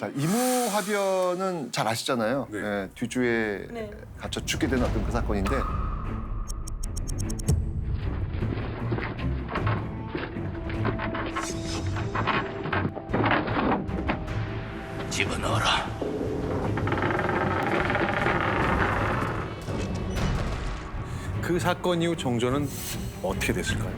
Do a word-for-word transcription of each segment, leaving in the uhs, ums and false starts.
자, 이모화변은 잘 아시잖아요. 네. 예, 뒤주에 네. 갇혀 죽게 된 어떤 그 사건인데 집어넣어라. 그 사건 이후 정조는 어떻게 됐을까요?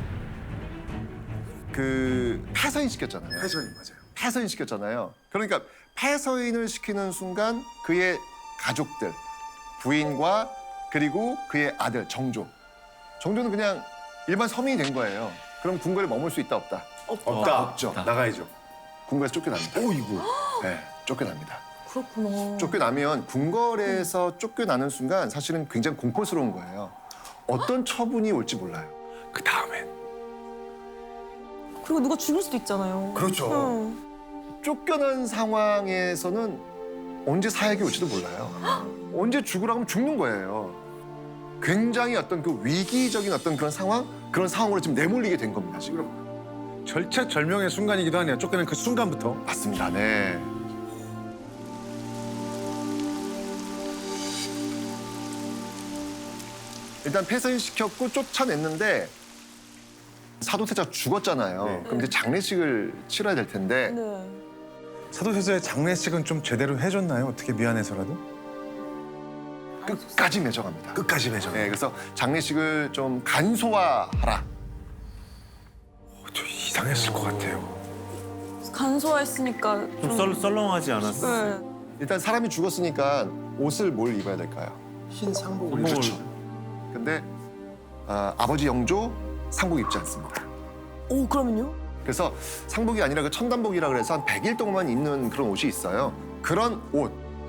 그 폐서인 시켰잖아요. 폐서인 맞아요. 폐서인 시켰잖아요. 그러니까 폐서인을 시키는 순간 그의 가족들, 부인과 그리고 그의 아들 정조. 정조는 그냥 일반 서민이 된 거예요. 그럼 궁궐에 머물 수 있다 없다? 없다. 없죠. 나가야죠. 궁궐에서 쫓겨납니다. 오이구. 네, 쫓겨납니다. 그렇구나. 쫓겨나면 궁궐에서 쫓겨나는 순간 사실은 굉장히 공포스러운 거예요. 어떤 처분이 올지 몰라요. 그 다음엔. 그리고 누가 죽을 수도 있잖아요. 그렇죠. 응. 쫓겨난 상황에서는 언제 사약이 올지도 몰라요. 언제 죽으라고 하면 죽는 거예요. 굉장히 어떤 그 위기적인 어떤 그런 상황, 그런 상황으로 지금 내몰리게 된 겁니다, 지금. 절체절명의 순간이기도 하네요. 쫓겨난 그 순간부터. 맞습니다, 네. 일단 폐서인 시켰고 쫓아냈는데 사도세자 죽었잖아요. 네. 그럼 이제 장례식을 치러야 될 텐데 네. 사도세자의 장례식은 좀 제대로 해줬나요? 어떻게 미안해서라도? 끝까지 매정합니다. 끝까지 매정. 네, 그래서 장례식을 좀 간소화하라. 좀 이상했을 것 같아요. 간소화했으니까 좀 좀. 썰, 썰렁하지 않았어? 네. 일단 사람이 죽었으니까 옷을 뭘 입어야 될까요? 흰 상복을. 상복을. 그렇죠. 근데 아, 아버지 영조 상복 입지 않습니다. 오, 그러면요? 그래서 상복이 아니라 그 천단복이라 그래서 한 백 일 동안 입는 그런 옷이 있어요. 그런 옷.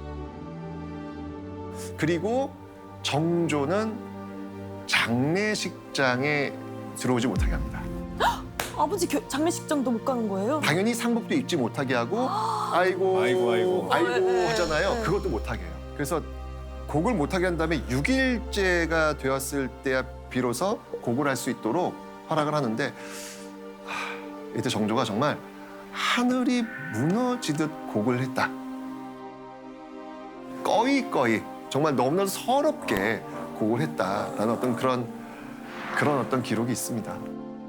그리고 정조는 장례식장에 들어오지 못하게 합니다. 아버지 겨, 장례식장도 못 가는 거예요? 당연히 상복도 입지 못하게 하고 아이고 아이고, 아이고. 아이고 네, 네, 하잖아요. 네. 그것도 못하게 해요. 그래서 곡을 못하게 한 다음에 육 일째가 되었을 때야 비로소 곡을 할 수 있도록 허락을 하는데 하, 이때 정조가 정말 하늘이 무너지듯 곡을 했다. 꺼이꺼이 정말 너무나도 서럽게 곡을 했다라는 어떤 그런 그런 어떤 기록이 있습니다.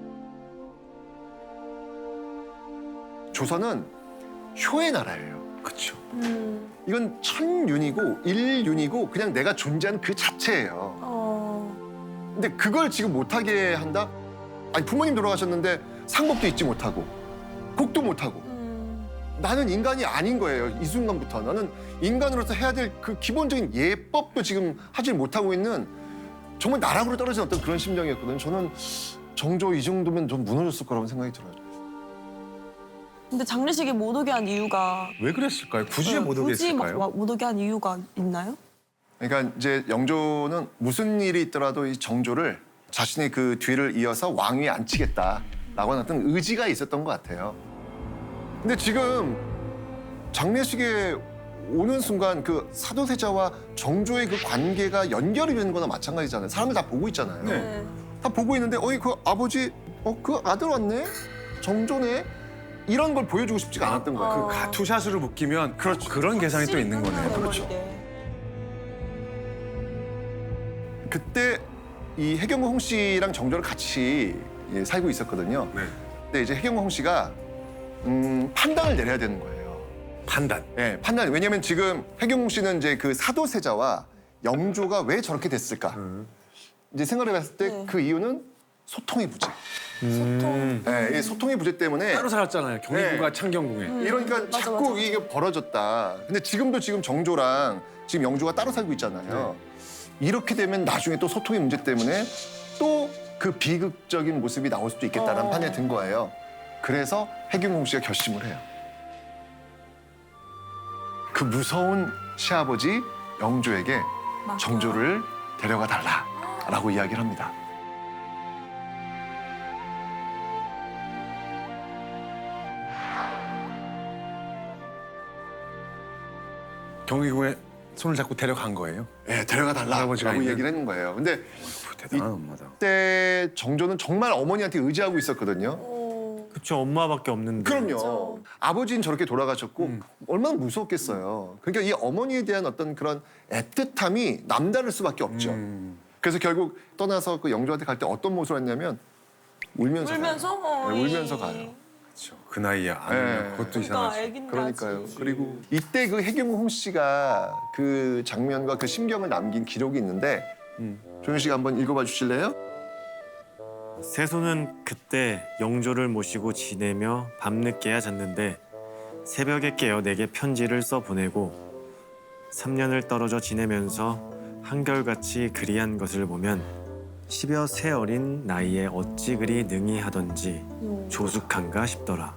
조선은 효의 나라예요. 그렇죠. 음. 이건 천윤이고 일윤이고 그냥 내가 존재하는 그 자체예요. 어. 근데 그걸 지금 못하게 한다? 아니 부모님 돌아가셨는데 상복도 입지 못하고 곡도 못하고 음. 나는 인간이 아닌 거예요. 이 순간부터 나는 인간으로서 해야 될 그 기본적인 예법도 지금 하지 못하고 있는 정말 나락으로 떨어진 어떤 그런 심정이었거든요. 저는 정조 이 정도면 좀 무너졌을 거라고 생각이 들어요. 근데 장례식에 못 오게 한 이유가 왜 그랬을까요? 굳이 네, 못 굳이 막 오겠을까요? 와- 못 오게 한 이유가 있나요? 그러니까 이제 영조는 무슨 일이 있더라도 이 정조를 자신의 그 뒤를 이어서 왕위에 앉히겠다라고 하는 어떤 의지가 있었던 것 같아요. 근데 지금 장례식에 오는 순간 그 사도세자와 정조의 그 관계가 연결이 되는 거나 마찬가지잖아요. 사람들 다 보고 있잖아요. 네. 다 보고 있는데 어이 그 아버지 어 그 아들 왔네? 정조네? 이런 걸 보여주고 싶지가 않았던 거예요. 어. 그 가투샷으로 묶이면 그렇죠. 그런 계산이 또 있는 거네요. 그렇죠. 그때 이 해경호 홍 씨랑 정조를 같이 예, 살고 있었거든요. 네. 근데 이제 해경호 홍 씨가 음, 판단을 내려야 되는 거예요. 판단. 예, 판단. 왜냐면 지금 해경호 씨는 이제 그 사도세자와 영조가 왜 저렇게 됐을까? 이제 생각을 해봤을 때 네. 그 이유는 소통의 부재. 소통. 예, 이 소통의 부재 때문에 따로 살았잖아요. 경희궁과 네. 창경궁에. 음, 이러니까 맞아, 자꾸 맞아. 이게 벌어졌다. 근데 지금도 지금 정조랑 지금 영조가 따로 살고 있잖아요. 이렇게 되면 나중에 또 소통의 문제 때문에 또 그 비극적인 모습이 나올 수도 있겠다는 어. 판단이 든 거예요. 그래서 해경공 씨가 결심을 해요. 그 무서운 시아버지 영조에게 맞아요. 정조를 데려가 달라라고 이야기를 합니다. 경희궁에 손을 잡고 데려간 거예요. 예, 데려가 할아버지가 달라라고 있는? 얘기를 했는 거예요. 근데 대단한 엄마다. 그때 정조는 정말 어머니한테 의지하고 있었거든요. 어. 그쵸, 엄마밖에 없는데. 그럼요. 그렇죠. 아버지는 저렇게 돌아가셨고 음. 얼마나 무서웠겠어요. 그러니까 이 어머니에 대한 어떤 그런 애틋함이 남다를 수밖에 없죠. 음. 그래서 결국 떠나서 그 영조한테 갈 때 어떤 모습을 했냐면 울면서 울면서 가요. 네, 어이. 울면서 가요. 그렇죠. 그 나이에 안 네. 울면 그것도 그러니까 이상하죠. 애긴데 그러니까요. 아직. 그리고 이때 그 해경홍 씨가 그 장면과 그 심경을 남긴 기록이 있는데 음. 조현 씨가 한번 읽어봐 주실래요? 세손은 그때 영조를 모시고 지내며 밤늦게야 잤는데 새벽에 깨어 내게 편지를 써 보내고 삼 년을 떨어져 지내면서 한결같이 그리한 것을 보면 십여 세 어린 나이에 어찌 그리 능히 하던지 음, 조숙한가 싶더라.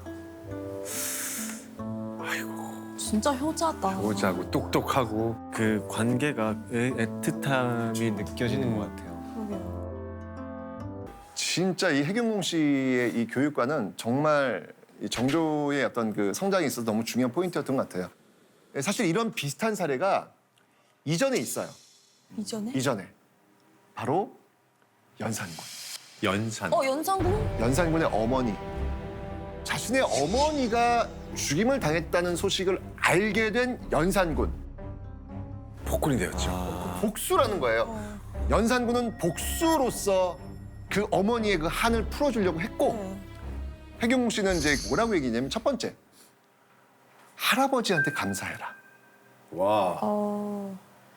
진짜 효자다. 오자고 똑똑하고 그 관계가 애, 애틋함이 느껴지는 것 같아요. 그러게요. 진짜 이 해경홍 씨의 이 교육과는 정말 이 정조의 어떤 그 성장에 있어서 너무 중요한 포인트였던 것 같아요. 사실 이런 비슷한 사례가 이전에 있어요. 이전에? 이전에 바로 연산군. 연산. 어 연상군? 연산군의 어머니. 자신의 어머니가 죽임을 당했다는 소식을 알게 된 연산군. 폭군이 되었죠. 아, 복수라는 거예요. 어. 연산군은 복수로서 그 어머니의 그 한을 풀어주려고 했고 네. 해경웅 씨는 이제 뭐라고 얘기냐면 첫 번째 할아버지한테 감사해라. 와. 어.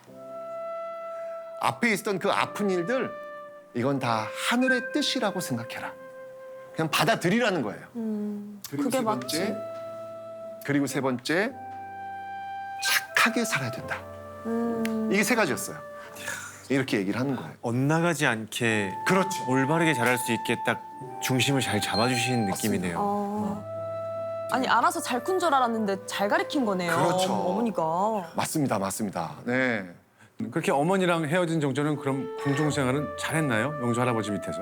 앞에 있었던 그 아픈 일들 이건 다 하늘의 뜻이라고 생각해라. 그냥 받아들이라는 거예요. 음. 그리고 그게 세 맞지. 번째, 그리고 세 번째 착하게 살아야 된다. 음. 이게 세 가지였어요. 이렇게 얘기를 하는 거예요. 엇나가지 않게 그렇죠. 올바르게 자랄 수 있게 딱 중심을 잘 잡아주시는 맞습니다. 느낌이네요. 어. 아니 알아서 잘 큰 줄 알았는데 잘 가르친 거네요. 그렇죠. 어머니가. 맞습니다, 맞습니다. 네. 그렇게 어머니랑 헤어진 정조는 그럼 궁중 생활은 잘했나요? 영조 할아버지 밑에서?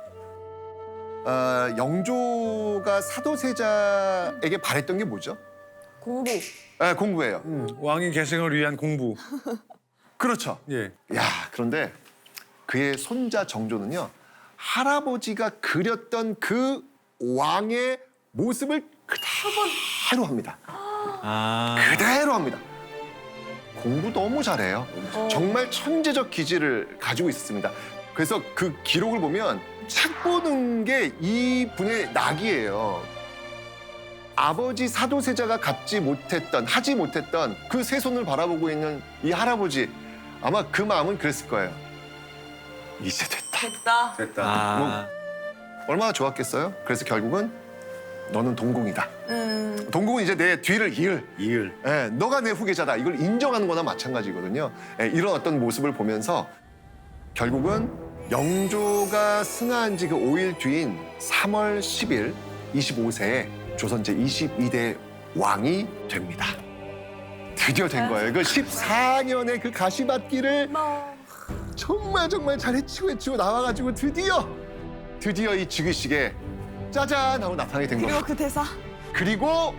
어, 영조가 사도세자에게 바랬던 게 뭐죠? 공부. 네, 공부예요. 음, 왕위 계승을 위한 공부. 그렇죠. 예. 야, 그런데 그의 손자 정조는요, 할아버지가 그렸던 그 왕의 모습을 그대로 합니다. 아, 그대로 합니다. 공부 너무 잘해요. 어. 정말 천재적 기질을 가지고 있었습니다. 그래서 그 기록을 보면 책 보는 게 이분의 낙이에요. 아버지 사도세자가 갖지 못했던, 하지 못했던 그 세 손을 바라보고 있는 이 할아버지, 아마 그 마음은 그랬을 거예요. 이제 됐다. 됐다. 됐다. 아, 얼마나 좋았겠어요? 그래서 결국은 너는 동공이다. 음. 동공은 이제 내 뒤를 이을. 이을. 예, 너가 내 후계자다. 이걸 인정하는 거나 마찬가지거든요. 예, 이런 어떤 모습을 보면서 결국은 영조가 승하한 지 그 오 일 뒤인 삼월 십일 이십오 세에 조선 제이십이 대 왕이 됩니다. 드디어 된 거예요. 그 십사 년의 그 가시밭길을 뭐. 정말 정말 잘 헤치고 헤치고 나와가지고 드디어 드디어 이 즉위식에 짜잔 하고 나타나게 된 그리고 거예요. 그 대사. 그리고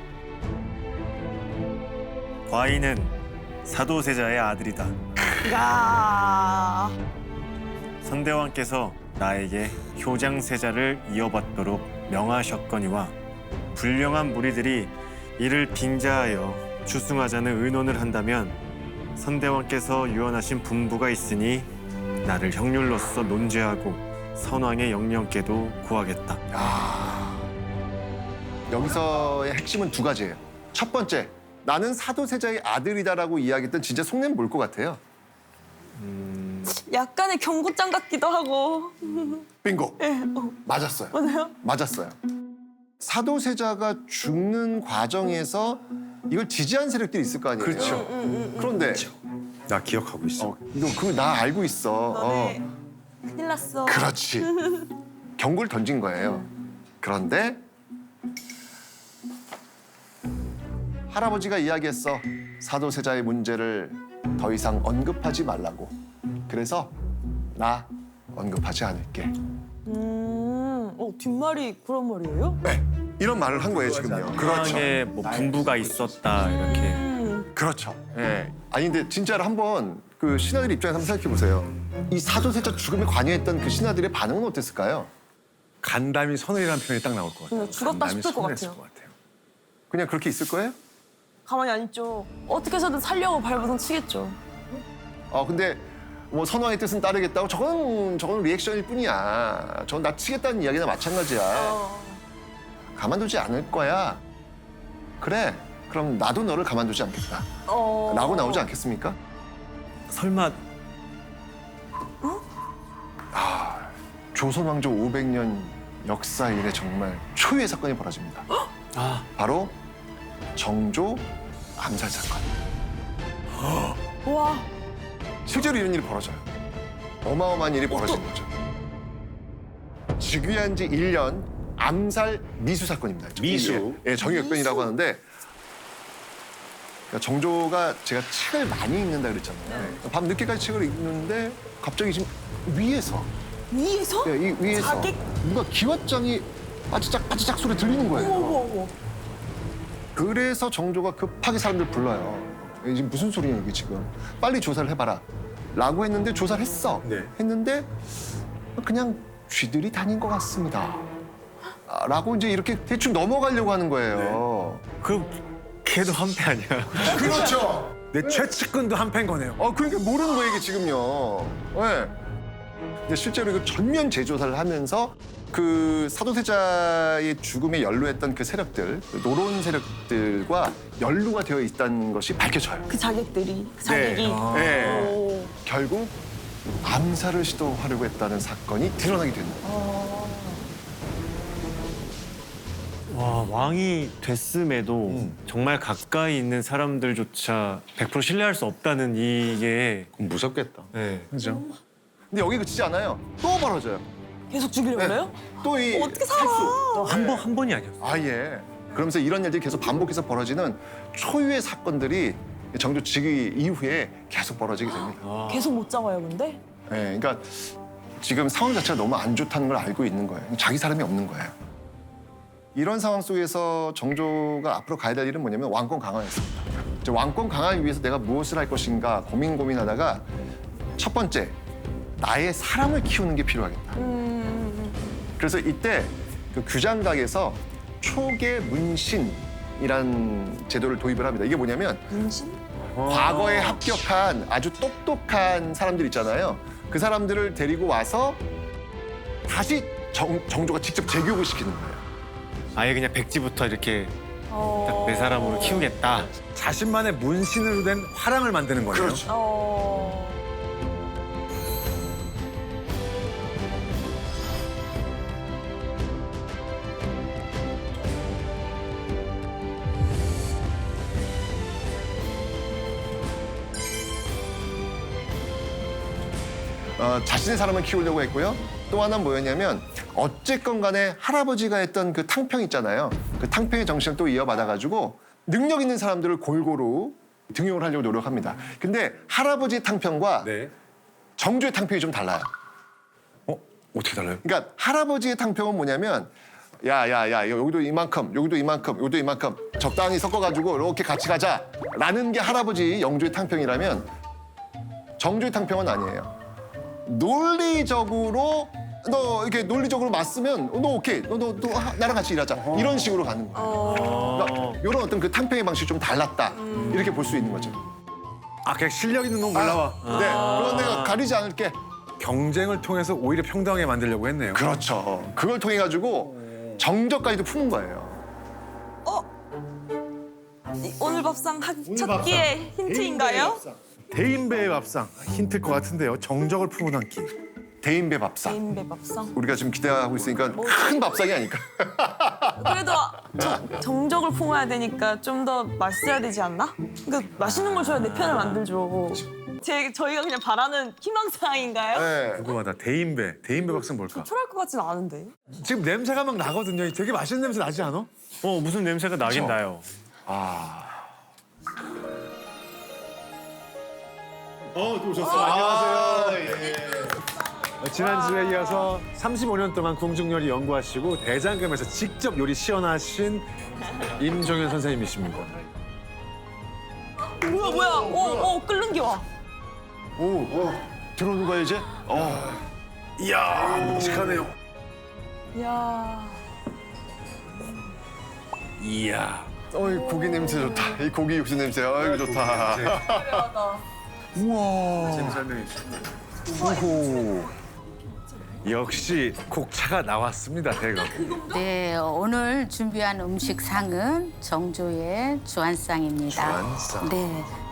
과인은 사도세자의 아들이다. 야. 선대왕께서 나에게 효장세자를 이어받도록 명하셨거니와 불량한 무리들이 이를 빙자하여 추승하자는 의논을 한다면 선대왕께서 유언하신 분부가 있으니 나를 형률로서 논죄하고 선왕의 영령께도 구하겠다. 야, 여기서의 핵심은 두 가지예요. 첫 번째, 나는 사도세자의 아들이다라고 이야기했던 진짜 속내는 뭘 것 같아요? 약간의 경고장 같기도 하고. 빙고. 예. 어. 맞았어요. 맞아요? 맞았어요. 사도세자가 죽는 과정에서 이걸 지지한 세력들이 있을 거 아니에요. 그렇죠. 음, 음, 음. 그런데 나 기억하고 있어. 어, 이거 그거 나 알고 있어. 너네 어, 큰일 났어. 그렇지. 경고를 던진 거예요. 그런데 할아버지가 이야기했어. 사도세자의 문제를 더 이상 언급하지 말라고. 그래서 나 언급하지 않을게. 음. 어 뒷말이 그런 말이에요? 네, 이런 말을 한 거예요 지금요. 그렇죠. 상황에 뭐 분부가 있었다 이렇게. 음. 그렇죠. 예. 아니 근데 진짜로 한번 그 신하들 입장에서 한번 생각해 보세요. 이 사도세자 죽음에 관여했던 그 신하들의 반응은 어땠을까요? 간담이 선언이라는 표현이 딱 나올 것 같아요. 그냥 죽었다 간담이 싶을 것 선언했을 같아요. 것 같아요. 그냥 그렇게 있을 거예요? 가만히 안 있죠. 어떻게 해서든 살려고 발버둥 치겠죠. 어 근데 뭐 선왕의 뜻은 따르겠다고 저건 저건 리액션일 뿐이야. 저건 나 치겠다는 이야기나 마찬가지야. 어. 가만두지 않을 거야. 그래. 그럼 나도 너를 가만두지 않겠다. 어. 라고 나오지 않겠습니까? 설마 조선 왕조 오백 년 역사 이래 정말 초유의 사건이 벌어집니다. 아 바로 정조 암살 사건. 와. 실제로 이런 일이 벌어져요. 어마어마한 일이 벌어진 거죠. 즉위한 지 일 년 암살 미수 사건입니다. 미수? 예, 정의역변이라고 하는데 그러니까 정조가 제가 책을 많이 읽는다 그랬잖아요. 밤 늦게까지 책을 읽는데 갑자기 지금 위에서 위에서? 예, 이 위에서 자객? 뭔가 기왓장이 빠지작 빠지작 소리 들리는 거예요. 어머 어머 어머. 그래서 정조가 급하게 사람들 불러요. 이게 지금 무슨 소리냐 이게 지금. 빨리 조사를 해봐라. 라고 했는데 조사를 했어. 네. 했는데 그냥 쥐들이 다닌 것 같습니다. 아, 라고 이제 이렇게 대충 넘어가려고 하는 거예요. 그럼 걔도 한패 아니야? 그렇죠. 내 최측근도 한패인 거네요. 어, 그러니까 모르는 거예요 이게 지금요. 네. 근데 실제로 이거 전면 재조사를 하면서 그 사도세자의 죽음에 연루했던 그 세력들, 그 노론 세력들과 연루가 되어 있다는 것이 밝혀져요. 그 자객들이 그 자객이. 네. 네. 오. 결국 암살을 시도하려고 했다는 사건이 드러나게 됩니다. 와 왕이 됐음에도 정말 가까이 있는 사람들조차 백 퍼센트 신뢰할 수 없다는 이게 그럼 무섭겠다. 네. 그죠? 근데 여기 그치지 않아요. 또 벌어져요. 계속 죽이려고 네. 그래요? 또 이 어떻게 살아? 한 번 한 번이 아니었어. 아 예. 그러면서 이런 일들이 계속 반복해서 벌어지는 초유의 사건들이 정조 즉위 이후에 계속 벌어지게 됩니다. 계속 못 잡아요 근데? 예, 그러니까 지금 상황 자체가 너무 안 좋다는 걸 알고 있는 거예요. 자기 사람이 없는 거예요. 이런 상황 속에서 정조가 앞으로 가야 될 일은 뭐냐면 왕권 강화였습니다. 이제 왕권 강화를 위해서 내가 무엇을 할 것인가 고민 고민하다가 첫 번째 나의 사람을 키우는 게 필요하겠다. 음. 그래서 이때 그 규장각에서 초계 문신이란 제도를 도입을 합니다. 이게 뭐냐면 문신? 과거에 합격한 아주 똑똑한 사람들 있잖아요. 그 사람들을 데리고 와서 다시 정, 정조가 직접 재교육을 시키는 거예요. 아예 그냥 백지부터 이렇게 어. 딱 내 사람으로 키우겠다. 자신만의 문신으로 된 화랑을 만드는 거네요. 그렇죠. 어. 어, 자신의 사람을 키우려고 했고요. 또 하나는 뭐였냐면 어쨌건 간에 할아버지가 했던 그 탕평 있잖아요. 그 탕평의 정신을 또 이어받아가지고 능력 있는 사람들을 골고루 등용을 하려고 노력합니다. 근데 할아버지의 탕평과 네. 정조의 탕평이 좀 달라요. 어? 어떻게 달라요? 그러니까 할아버지의 탕평은 뭐냐면 야야야 여기도 이만큼 여기도 이만큼 여기도 이만큼 적당히 섞어가지고 이렇게 같이 가자라는 게 할아버지 영조의 탕평이라면 정조의 탕평은 아니에요. 논리적으로 너 이렇게 논리적으로 맞으면 너 오케이 너 너 너 나랑 같이 일하자 이런 식으로 가는 거예요. 그러니까 이런 어떤 그 탕평의 방식이 좀 달랐다 이렇게 볼 수 있는 거죠. 아, 그냥 실력 있는 놈 올라와. 네, 그런 내가 가리지 않을게. 경쟁을 통해서 오히려 평등하게 만들려고 했네요. 그렇죠. 그걸 통해 가지고 정적까지도 푸는 거예요. 이 오늘 밥상 한- 첫 끼의 힌트인가요? 대인배의 밥상 힌트일 것 같은데요. 정적을 품은 한 끼. 대인배 밥상. 개인배 밥상. 우리가 지금 기대하고 있으니까 큰 밥상이 아닐까. 그래도 정, 정적을 품어야 되니까 좀 더 맛있어야 되지 않나? 그러니까 맛있는 걸 줘야 내 편을 만들죠. 제 저희가 그냥 바라는 희망사항인가요? 네. 궁금하다. 대인배. 대인배 밥상 뭘까? 필요할 것 같진 않은데. 지금 냄새가 막 나거든요. 되게 맛있는 냄새 나지 않아? 어 무슨 냄새가 나긴 그쵸? 나요. 지난주에 이어서 삼십오 년 동안 궁중요리 연구하시고 대장금에서 직접 요리 시연하신 임종현 선생님이십니다. 뭐야 뭐야? 오, 오 끓는 게 와. 오, 오, 들어오는 거야 이제? 어. 이야, 묵직하네요. 이야. 이야. 어이 고기 냄새 좋다. 이 고기 육수 냄새. 아이고 좋다. 화려하다. 우와. 설명해 주세요. 오호. 역시 곡차가 나왔습니다, 대거. 네, 오늘 준비한 음식상은 정조의 주안상입니다. 주안상. 네,